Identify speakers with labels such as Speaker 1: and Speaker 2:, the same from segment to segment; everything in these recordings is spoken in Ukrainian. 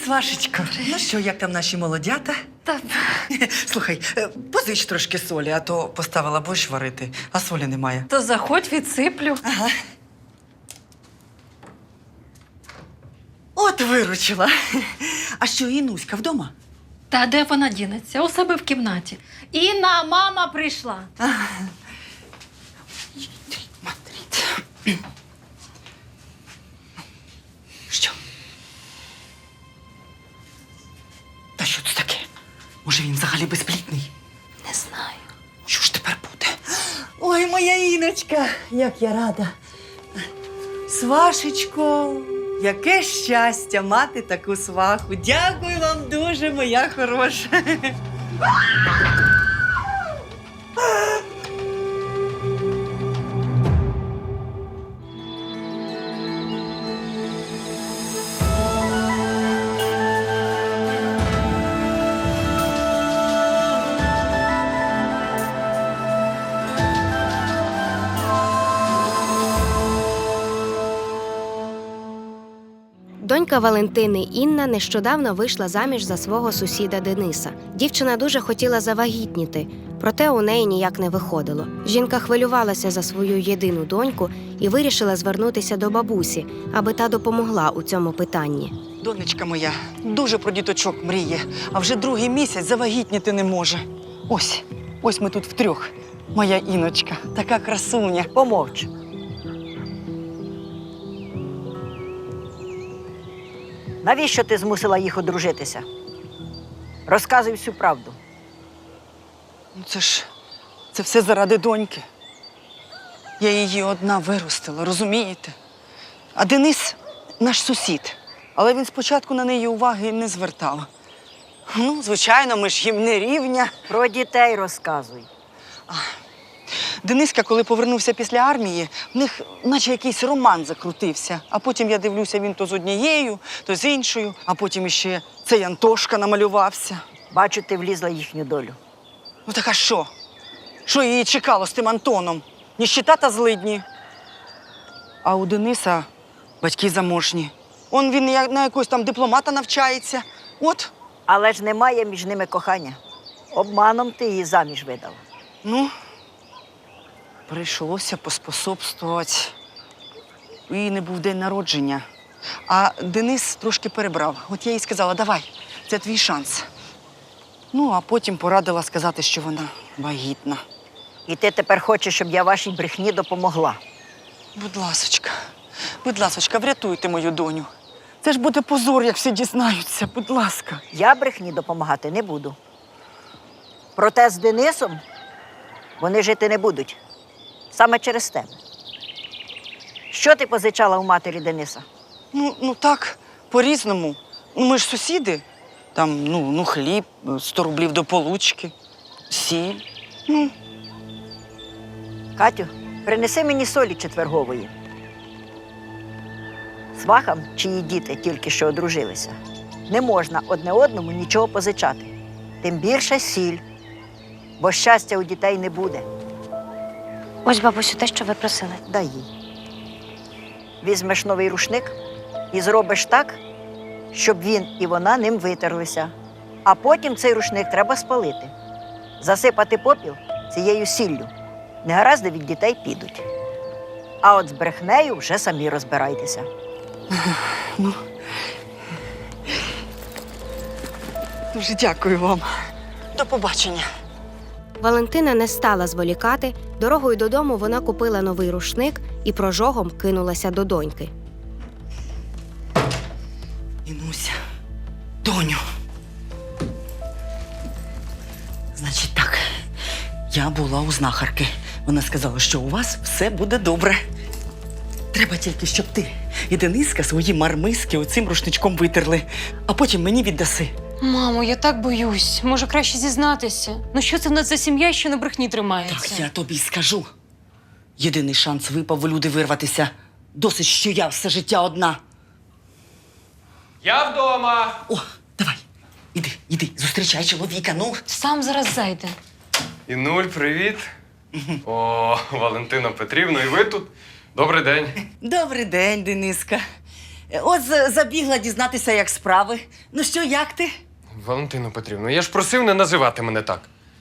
Speaker 1: Свашечко. Ну що, як там наші молодята?
Speaker 2: Та
Speaker 1: Слухай, позич трошки солі, а то поставила борщ варити, а солі немає.
Speaker 2: то заходь, відсиплю.
Speaker 1: Ага. От виручила. А що, Інуська вдома?
Speaker 2: Та де вона дінеться? У себе в кімнаті. Інна, мама прийшла.
Speaker 1: Мадрид. Що? Та що це таке? Може, він взагалі безплідний?
Speaker 2: Не знаю.
Speaker 1: Що ж тепер буде? Ой, моя Іночка, як я рада. Свашечко, яке щастя мати таку сваху. Дякую вам дуже, моя хороша.
Speaker 3: Донька Валентини Інна нещодавно вийшла заміж за свого сусіда Дениса. Дівчина дуже хотіла завагітніти, проте у неї ніяк не виходило. Жінка хвилювалася за свою єдину доньку і вирішила звернутися до бабусі, аби та допомогла у цьому питанні.
Speaker 1: Донечка моя дуже про діточок мріє, а вже другий місяць завагітніти не може. Ось ми тут втрьох. Моя Іночка, така красуня.
Speaker 4: Помовч. Навіщо ти змусила їх одружитися? Розказуй всю правду.
Speaker 1: Ну це все заради доньки. Я її одна виростила, розумієте? А Денис наш сусід, але він спочатку на неї уваги не звертав. Ну, звичайно, ми ж їм не рівня.
Speaker 4: Про дітей розказуй.
Speaker 1: Дениска, коли повернувся після армії, в них наче якийсь роман закрутився. А потім я дивлюся, він то з однією, то з іншою, а потім іще цей Антошка намалювався.
Speaker 4: Бачу, ти влізла в їхню долю.
Speaker 1: Ну так а що? Що її чекало з тим Антоном? Ніщита та злидні. А у Дениса батьки заможні. Він на якогось там дипломата навчається. От.
Speaker 4: Але ж немає між ними кохання. Обманом ти її заміж видала.
Speaker 1: Ну, прийшлося поспособствувати. У її не був день народження. А Денис трошки перебрав. От я їй сказала, давай, це твій шанс. Ну, а потім порадила сказати, що вона вагітна.
Speaker 4: І ти тепер хочеш, щоб я вашій брехні допомогла.
Speaker 1: Будь ласочка, врятуйте мою доню. Це ж буде позор, як всі дізнаються, будь ласка.
Speaker 4: Я брехні допомагати не буду. Проте з Денисом вони жити не будуть. Саме через тебе. Що ти позичала у матері Дениса?
Speaker 1: Ну так, по-різному. Ну, ми ж сусіди. Там, хліб, 100 рублів до получки, сіль.
Speaker 4: Катю, принеси мені солі четвергової. Свахам, чиї діти тільки що одружилися, не можна одне одному нічого позичати. Тим більше сіль, бо щастя у дітей не буде.
Speaker 3: Ось, бабусю, те, що ви просили.
Speaker 4: Дай їй. Візьмеш новий рушник і зробиш так, щоб він і вона ним витерлися. А потім цей рушник треба спалити. Засипати попіл цією сіллю. Негаразди від дітей підуть. А от з брехнею вже самі розбирайтеся.
Speaker 1: Дуже дякую вам. До побачення.
Speaker 3: Валентина не стала зволікати. Дорогою додому вона купила новий рушник і прожогом кинулася до доньки.
Speaker 1: Інуся, доню. Значить так, я була у знахарки. Вона сказала, що у вас все буде добре. Треба тільки, щоб ти і Дениска свої мармиски оцим рушничком витерли, а потім мені віддаси.
Speaker 5: Мамо, я так боюсь. Може, краще зізнатися. Ну що це в нас за сім'я, що на брехні тримається?
Speaker 1: Так я тобі скажу. Єдиний шанс випав у люди вирватися. Досить, що я все життя одна.
Speaker 6: Я вдома.
Speaker 1: О, давай, іди, зустрічай чоловіка, ну.
Speaker 5: Сам зараз зайде.
Speaker 6: Інуль, привіт. О, Валентина Петрівна, і ви тут? Добрий день.
Speaker 1: Добрий день, Дениска. Забігла дізнатися, як справи. Ну що, як ти?
Speaker 6: Валентино Петрівно, я ж просив не називати мене так.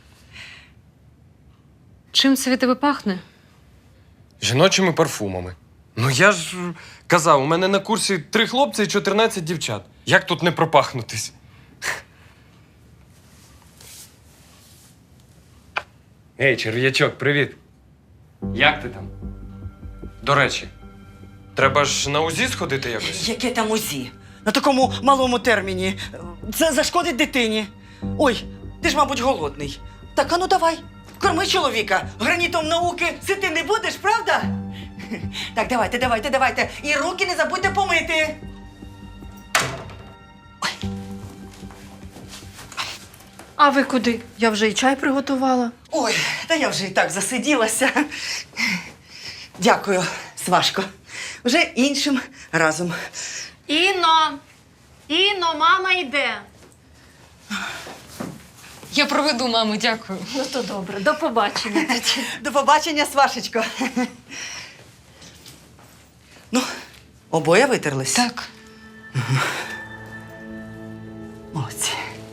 Speaker 5: Чим це від тебе пахне?
Speaker 6: Жіночими парфумами. Ну я ж казав, у мене на курсі 3 хлопці і 14 дівчат. Як тут не пропахнутись? Ей, черв'ячок, привіт. Як ти там? До речі, треба ж на УЗІ сходити якось.
Speaker 1: Яке там УЗІ? На такому малому терміні. Це зашкодить дитині. Ой, ти ж, мабуть, голодний. Так, а ну давай, корми чоловіка. Гранітом науки сити не будеш, правда? Так, давайте. І руки не забудьте помити.
Speaker 2: А ви куди? Я вже і чай приготувала.
Speaker 1: Ой, та я вже і так засиділася. Дякую, Свашко. Вже іншим разом.
Speaker 2: Іно, мама йде.
Speaker 5: Я проведу маму, дякую.
Speaker 2: Ну то добре, до побачення.
Speaker 1: До побачення, Свашечко. Ну, обоє витерлись?
Speaker 5: Так.
Speaker 1: Молодці.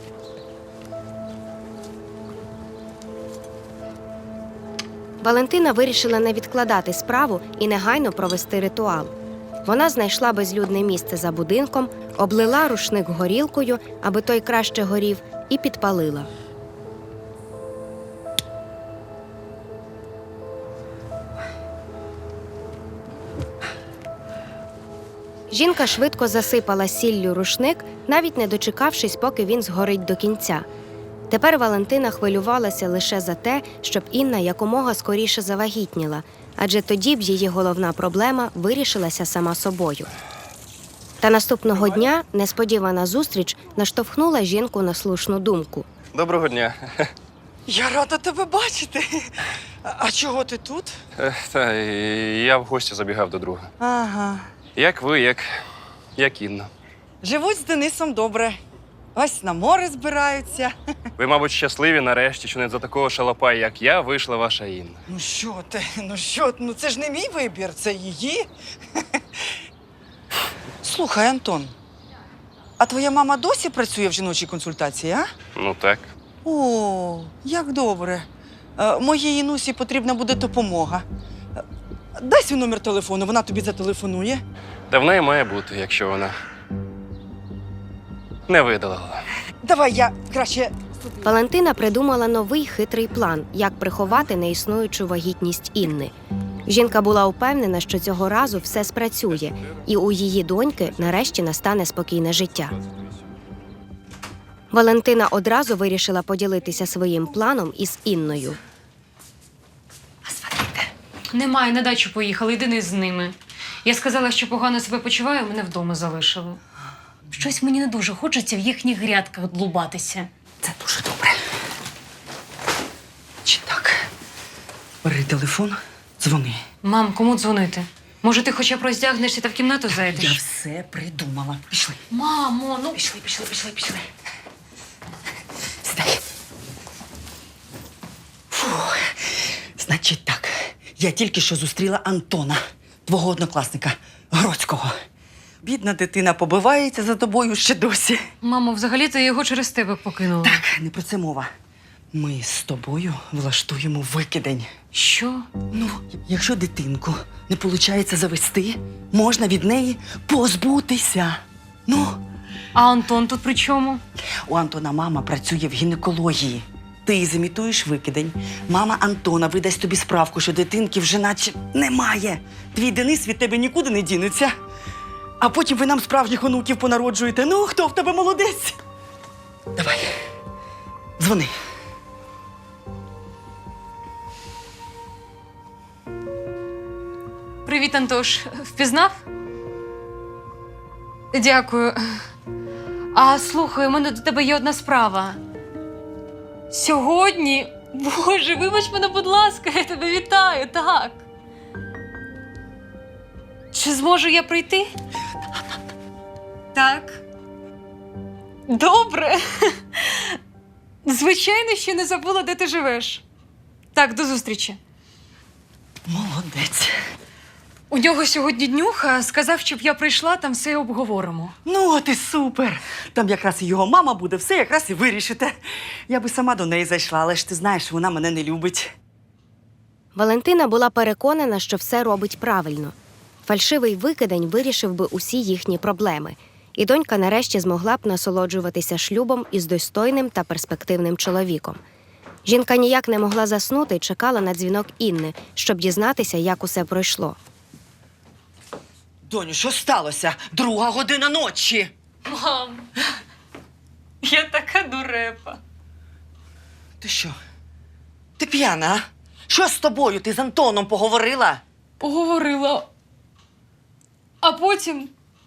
Speaker 3: Валентина вирішила не відкладати справу і негайно провести ритуал. Вона знайшла безлюдне місце за будинком, облила рушник горілкою, аби той краще горів, і підпалила. Жінка швидко засипала сіллю рушник, навіть не дочекавшись, поки він згорить до кінця. Тепер Валентина хвилювалася лише за те, щоб Інна якомога скоріше завагітніла, адже тоді б її головна проблема вирішилася сама собою. Та наступного дня несподівана зустріч наштовхнула жінку на слушну думку.
Speaker 7: Доброго дня.
Speaker 1: Я рада тебе бачити. А чого ти тут?
Speaker 7: Та я в гості забігав до друга.
Speaker 1: Ага.
Speaker 7: Як ви, як Інна.
Speaker 1: Живуть з Денисом добре. Ось на море збираються.
Speaker 7: Ви, мабуть, щасливі нарешті, що не за такого шалопая, як я, вийшла ваша Інна.
Speaker 1: Ну що ти, ну це ж не мій вибір, це її. Слухай, Антон, а твоя мама досі працює в жіночій консультації, а?
Speaker 7: Ну так.
Speaker 1: О, як добре. Моїй Інусі потрібна буде допомога. Дай свій номер телефону, вона тобі зателефонує.
Speaker 7: Та в неї має бути, якщо вона не видалила.
Speaker 1: Давай я краще.
Speaker 3: Валентина придумала новий хитрий план, як приховати неіснуючу вагітність Інни. Жінка була упевнена, що цього разу все спрацює, і у її доньки нарешті настане спокійне життя. Валентина одразу вирішила поділитися своїм планом із Інною.
Speaker 5: Немає, на дачу поїхали, йди не з ними. Я сказала, що погано себе почуваю, мене вдома залишили. Щось мені не дуже хочеться в їхніх грядках длубатися.
Speaker 1: Це дуже добре. Чи так? Бери телефон, дзвони.
Speaker 5: Мам, кому дзвонити? Може, ти хоча б роздягнешся та в кімнату
Speaker 1: Я
Speaker 5: зайдеш?
Speaker 1: все придумала. Пішли.
Speaker 5: Мамо, ну…
Speaker 1: Пішли. Сідай. Фух. Значить так, я тільки що зустріла Антона, твого однокласника, Гроцького. Бідна дитина побивається за тобою ще досі.
Speaker 5: Мамо, взагалі-то я його через тебе покинула.
Speaker 1: Так, не про це мова. Ми з тобою влаштуємо викидень.
Speaker 5: Що?
Speaker 1: Ну, якщо дитинку не виходить завести, можна від неї позбутися. Ну,
Speaker 5: А Антон тут при чому?
Speaker 1: у Антона мама працює в гінекології. Ти зімітуєш викидень. Мама Антона видасть тобі справку, що дитинки вже наче немає. Твій Денис від тебе нікуди не дінеться. А потім ви нам справжніх онуків понароджуєте. Ну, хто в тебе молодець? Давай, дзвони.
Speaker 5: Привіт, Антош. Впізнав? Дякую. А слухай, у мене до тебе є одна справа. Сьогодні? Боже, вибач мене, будь ласка, я тебе вітаю, так. Чи зможу я прийти? Так. Добре. Звичайно, ще не забула, де ти живеш. Так, до зустрічі.
Speaker 1: Молодець.
Speaker 5: У нього сьогодні днюха, сказав, щоб я прийшла, там все обговоримо.
Speaker 1: Ну, от і супер. Там якраз і його мама буде, все якраз і вирішите. Я би сама до неї зайшла, але ж ти знаєш, вона мене не любить.
Speaker 3: Валентина була переконана, що все робить правильно. Фальшивий викидень вирішив би усі їхні проблеми. І донька нарешті змогла б насолоджуватися шлюбом із достойним та перспективним чоловіком. Жінка ніяк не могла заснути і чекала на дзвінок Інни, щоб дізнатися, як усе пройшло.
Speaker 1: Доню, що сталося? 2:00 ночі.
Speaker 5: Мам, я така дурепа.
Speaker 1: Ти що? Ти п'яна, а? Що з тобою? Ти з Антоном поговорила?
Speaker 5: Поговорила. А потім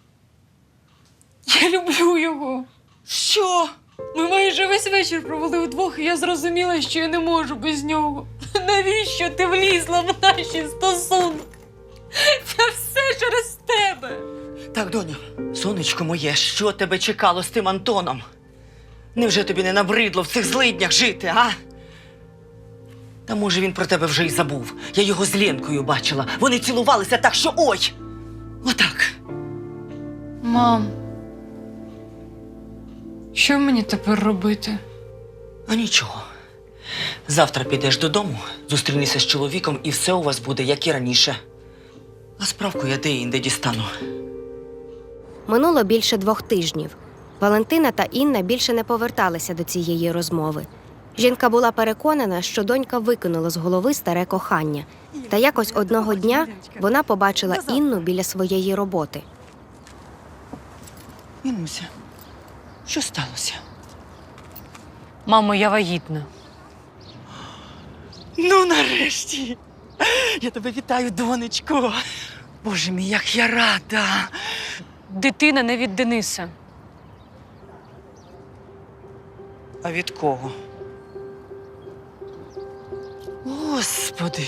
Speaker 5: я люблю його.
Speaker 1: Що?
Speaker 5: Ми майже весь вечір провели удвох, і я зрозуміла, що я не можу без нього. Навіщо ти влізла в наші стосунки? Це все через тебе.
Speaker 1: Так, доню, сонечко моє, що тебе чекало з тим Антоном? Невже тобі не набридло в цих злиднях жити, а? Та може він про тебе вже й забув. Я його з Ленкою бачила. Вони цілувалися так, що ой! Отак.
Speaker 5: Мам, що мені тепер робити?
Speaker 1: А нічого. Завтра підеш додому, зустрінешся з чоловіком, і все у вас буде, як і раніше. А справку я де-інде дістану.
Speaker 3: Минуло більше 2 тижнів. Валентина та Інна більше не поверталися до цієї розмови. Жінка була переконана, що донька викинула з голови старе кохання. Та якось одного дня вона побачила Інну біля своєї роботи.
Speaker 1: Інуся, що сталося?
Speaker 5: Мамо, я вагітна.
Speaker 1: Ну, нарешті. Я тебе вітаю, донечко. Боже мій, як я рада.
Speaker 5: Дитина не від Дениса.
Speaker 1: А від кого? Господи.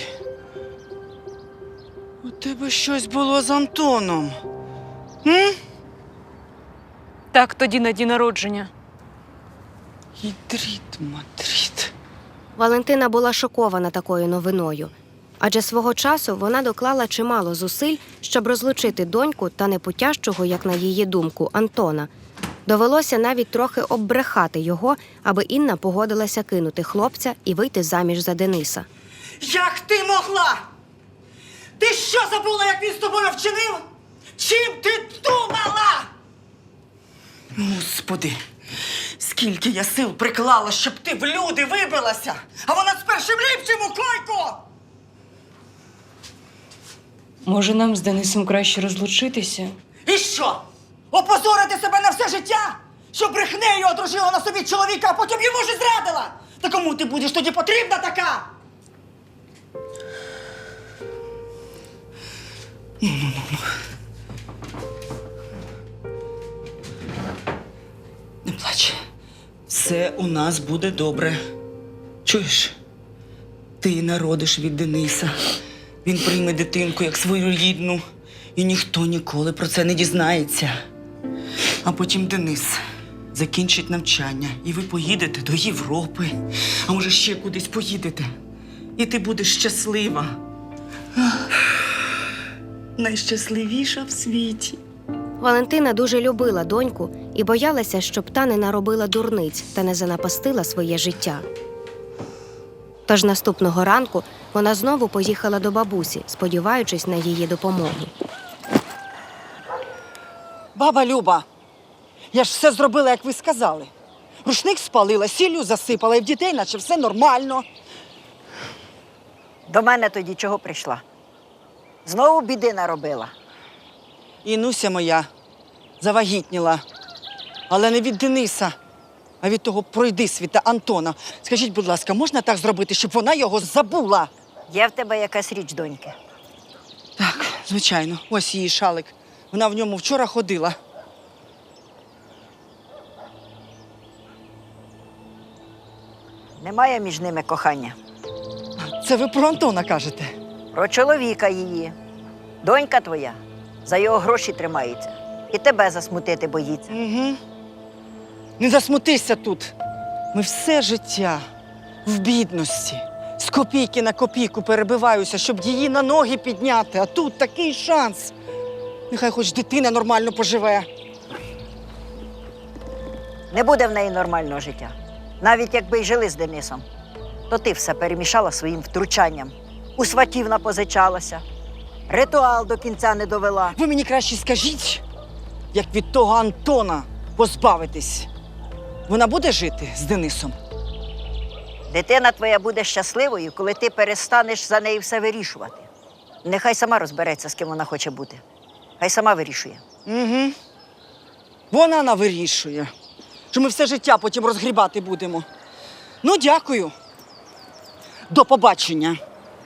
Speaker 1: У тебе щось було з Антоном. М?
Speaker 5: Так тоді на день народження.
Speaker 1: Ідріт, мадріт.
Speaker 3: Валентина була шокована такою новиною. Адже свого часу вона доклала чимало зусиль, щоб розлучити доньку та непутящого, як на її думку, Антона. Довелося навіть трохи оббрехати його, аби Інна погодилася кинути хлопця і вийти заміж за Дениса.
Speaker 1: Як ти могла? Ти що забула, як він з тобою вчинив? Чим ти думала? Господи, скільки я сил приклала, щоб ти в люди вибралася, а вона з першим ліпшим у койку!
Speaker 5: Може, нам з Денисом краще розлучитися?
Speaker 1: І що? Опозорити себе на все життя? Що брехнею одружила на собі чоловіка, а потім йому ж і зрадила? Та кому ти будеш тоді потрібна така? Не плач. Все у нас буде добре. Чуєш? Ти народиш від Дениса. Він прийме дитинку як свою рідну. І ніхто ніколи про це не дізнається. А потім Денис закінчить навчання, і ви поїдете до Європи. А може, ще кудись поїдете. І ти будеш щаслива. Найщасливіша в світі.
Speaker 3: Валентина дуже любила доньку і боялася, щоб та не наробила дурниць та не занапастила своє життя. Тож наступного ранку вона знову поїхала до бабусі, сподіваючись на її допомогу.
Speaker 1: Баба Люба, я ж все зробила, як ви сказали. Рушник спалила, сіллю засипала, і в дітей наче все нормально.
Speaker 4: До мене тоді чого прийшла? Знову біди наробила.
Speaker 1: Інуся моя завагітніла. Але не від Дениса, а від того пройдисвіта Антона. Скажіть, будь ласка, можна так зробити, щоб вона його забула?
Speaker 4: Є в тебе якась річ, доньки?
Speaker 1: Так, звичайно. Ось її шалик. Вона в ньому вчора ходила.
Speaker 4: Немає між ними кохання.
Speaker 1: Це ви про Антона кажете?
Speaker 4: Про чоловіка її. Донька твоя за його гроші тримається. І тебе засмутити боїться.
Speaker 1: Угу. Не засмутися тут. Ми все життя в бідності. З копійки на копійку перебиваюся, щоб її на ноги підняти. А тут такий шанс. Нехай хоч дитина нормально поживе.
Speaker 4: Не буде в неї нормального життя. Навіть якби й жили з Денисом, то ти все перемішала своїм втручанням. У сватів напозичалася. Ритуал до кінця не довела.
Speaker 1: Ви мені краще скажіть, як від того Антона позбавитись. Вона буде жити з Денисом?
Speaker 4: Дитина твоя буде щасливою, коли ти перестанеш за неї все вирішувати. Нехай сама розбереться, з ким вона хоче бути. Хай сама вирішує.
Speaker 1: Угу. Вона навирішує, що ми все життя потім розгрібати будемо. Ну, дякую. До побачення.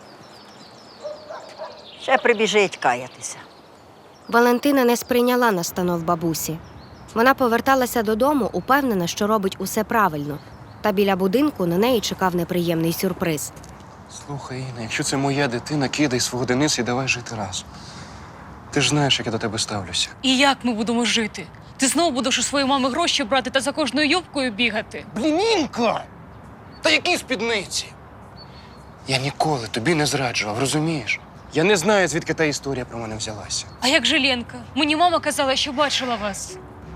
Speaker 4: Ще прибіжить каятися.
Speaker 3: Валентина не сприйняла настанов бабусі. Вона поверталася додому, упевнена, що робить усе правильно. Та біля будинку на неї чекав неприємний сюрприз.
Speaker 8: Слухай, Інна, якщо це моя дитина, кидай свого Дениса і давай жити разом. Ти ж знаєш, як я до тебе ставлюся.
Speaker 5: І як ми будемо жити? Ти знову будеш у своєї мами гроші брати та за кожною юбкою бігати?
Speaker 8: Блін, Інка! Та які спідниці? Я ніколи тобі не зраджував, розумієш? Я не знаю, звідки та історія про мене взялася.
Speaker 5: А як же Ленка? Мені мама казала, що бачила вас.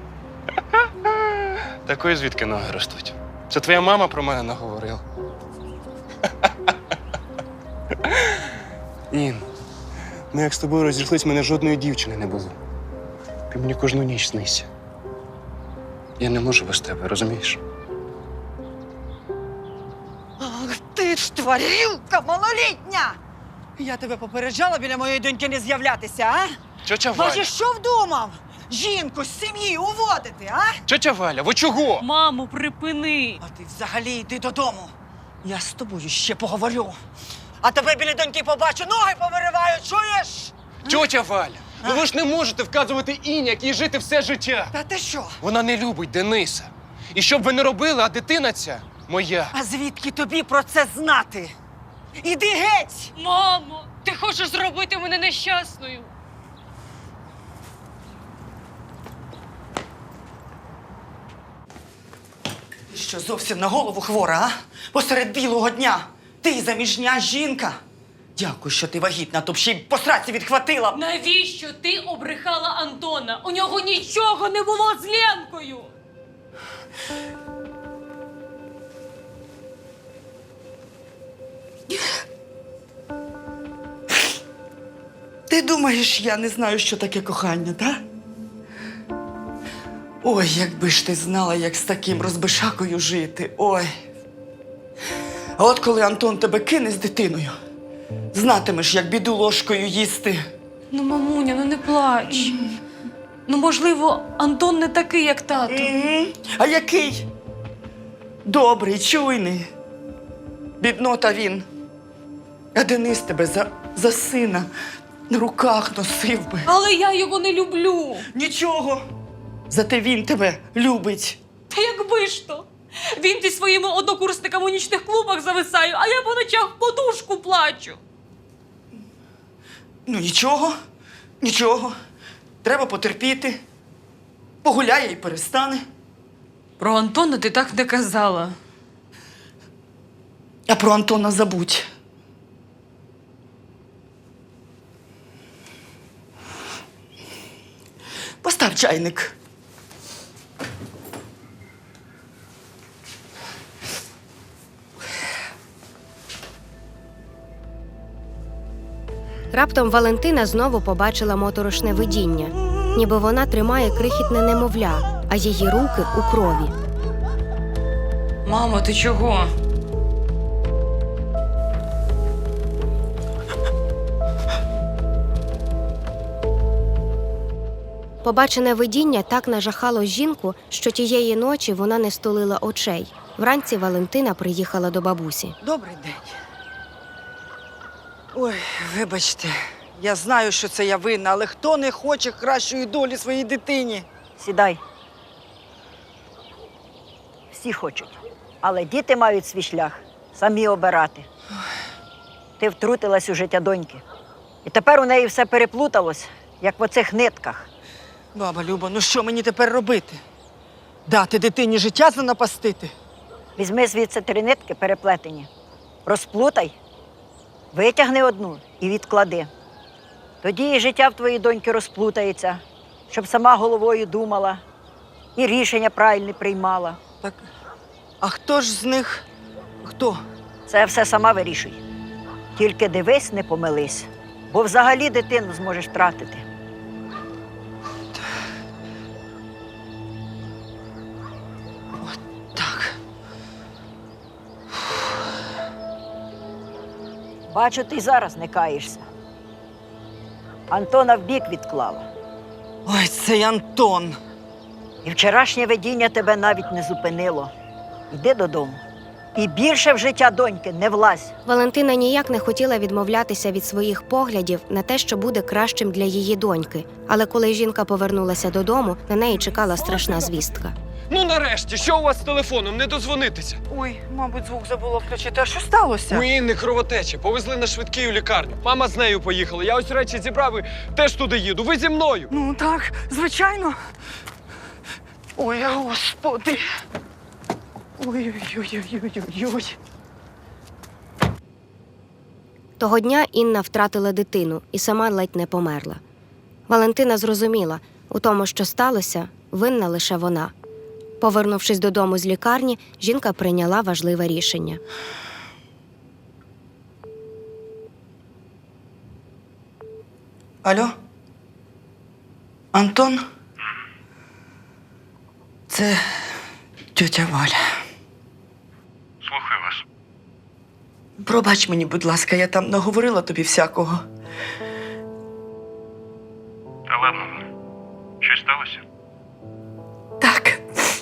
Speaker 8: Такої звідки ноги ростуть? Це твоя мама про мене наговорила. Ін, ми як з тобою розійшлись, мене жодної дівчини не було. Ти мені кожну ніч снися. Я не можу без тебе, розумієш?
Speaker 1: Ах, ти ж тварюка малолітня! Я тебе попереджала біля моєї доньки не з'являтися, а?
Speaker 8: Тьотя Валя!
Speaker 1: Бачиш, що вдумав? Жінку з сім'ї уводити, а?
Speaker 8: Тьотя Валя, ви чого?
Speaker 5: Мамо, припини!
Speaker 1: А ти взагалі йди додому. Я з тобою ще поговорю. А тебе біля доньки побачу, ноги повириваю, чуєш?
Speaker 8: Тьотя Валя, ну ви ж не можете вказувати Іні, як їй жити все життя.
Speaker 1: Та ти що?
Speaker 8: Вона не любить Дениса. І що б ви не робили, а дитина ця моя.
Speaker 1: А звідки тобі про це знати? Іди геть!
Speaker 5: Мамо, ти хочеш зробити мене нещасною?
Speaker 1: Ти що, зовсім на голову хвора, а? Посеред білого дня. Ти заміжня жінка. Дякую, що ти вагітна, то б ще й по сраці відхватила.
Speaker 5: Навіщо ти обрехала Антона? У нього нічого не було з Ленкою!
Speaker 1: Ти думаєш, я не знаю, що таке кохання, так? Ой, якби ж ти знала, як з таким розбишакою жити. Ой. А от коли Антон тебе кине з дитиною, знатимеш, як біду ложкою їсти.
Speaker 5: Ну, мамуня, ну не плач. Ну, можливо, Антон не такий, як тато.
Speaker 1: А який? Добрий, чуйний. Біднота він. А Денис тебе за сина на руках носив би.
Speaker 5: Але я його не люблю.
Speaker 1: Нічого. Зате він тебе любить.
Speaker 5: Та якби ж то. Він зі своїми однокурсниками у нічних клубах зависає, а я по ночах в подушку плачу.
Speaker 1: Ну нічого, нічого. Треба потерпіти. Погуляє і перестане.
Speaker 5: Про Антона ти так не казала.
Speaker 1: А про Антона забудь. Постав чайник.
Speaker 3: Раптом Валентина знову побачила моторошне видіння, ніби вона тримає крихітне немовля, а її руки у крові.
Speaker 5: Мамо, ти чого?
Speaker 3: Побачене видіння так нажахало жінку, що тієї ночі вона не стулила очей. Вранці Валентина приїхала до бабусі.
Speaker 1: Добрий день. Ой, вибачте, я знаю, що це я винна, але хто не хоче кращої долі своїй дитині?
Speaker 4: Сідай. Всі хочуть. Але діти мають свій шлях самі обирати. Ти втрутилась у життя доньки. І тепер у неї все переплуталось, як в оцих нитках.
Speaker 1: Баба Люба, ну що мені тепер робити? Дати дитині життя занапастити?
Speaker 4: Візьми звідси 3 нитки переплетені Розплутай, витягни одну і відклади. Тоді і життя в твоїй доньки розплутається, щоб сама головою думала і рішення правильне приймала.
Speaker 1: Так, а хто ж з них? Хто?
Speaker 4: Це все сама вирішуй. Тільки дивись, не помились, бо взагалі дитину зможеш втратити.
Speaker 1: Так.
Speaker 4: Бачу, ти й зараз не каєшся. Антона вбік відклала.
Speaker 1: Ой, цей Антон.
Speaker 4: І вчорашнє видіння тебе навіть не зупинило. Йди додому. І більше в життя доньки не влазь.
Speaker 3: Валентина ніяк не хотіла відмовлятися від своїх поглядів на те, що буде кращим для її доньки. Але коли жінка повернулася додому, на неї чекала страшна звістка.
Speaker 6: Ну нарешті, що у вас з телефоном? Не дозвонитися.
Speaker 1: Ой, мабуть, звук забула включити. А що сталося?
Speaker 6: У Інни кровотеча. Повезли на швидкий у лікарню. Мама з нею поїхала. Я ось речі зібрав і теж туди їду. Ви зі мною.
Speaker 1: Ну так, звичайно. Ой, господи. Ой-ой-ой-ой-ой-ой.
Speaker 3: Того дня Інна втратила дитину і сама ледь не померла. Валентина зрозуміла, у тому, що сталося, винна лише вона. Повернувшись додому з лікарні, жінка прийняла важливе рішення.
Speaker 1: Алло? Антон? Це тьотя Валя.
Speaker 8: Слухаю вас.
Speaker 1: Пробач мені, будь ласка, я там наговорила тобі всякого.
Speaker 8: Та ладно. Щось сталося?
Speaker 1: Так.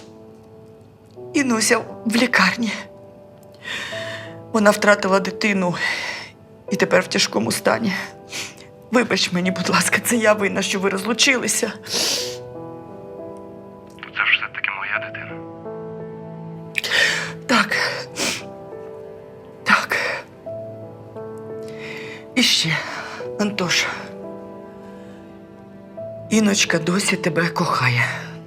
Speaker 1: Інуся в лікарні. Вона втратила дитину і тепер в тяжкому стані. Вибач мені, будь ласка, це я винна, що ви розлучилися.
Speaker 8: Це ж все-таки моя дитина.
Speaker 1: Так. Так. І ще, Антош. Іночка досі тебе кохає.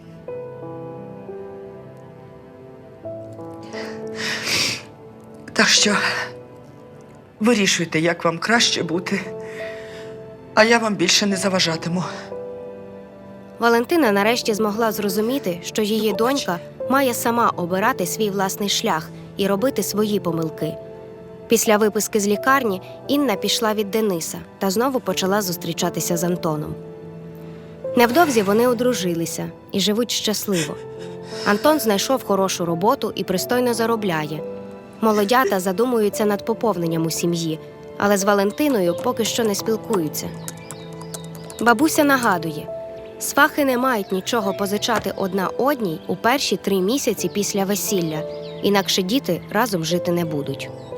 Speaker 1: Так що вирішуйте, як вам краще бути, а я вам більше не заважатиму.
Speaker 3: Валентина нарешті змогла зрозуміти, що її донька має сама обирати свій власний шлях і робити свої помилки. Після виписки з лікарні Інна пішла від Дениса та знову почала зустрічатися з Антоном. Невдовзі вони одружилися і живуть щасливо. Антон знайшов хорошу роботу і пристойно заробляє. Молодята задумуються над поповненням у сім'ї, але з Валентиною поки що не спілкуються. Бабуся нагадує, свахи не мають нічого позичати одна одній у перші 3 місяці після весілля, інакше діти разом жити не будуть.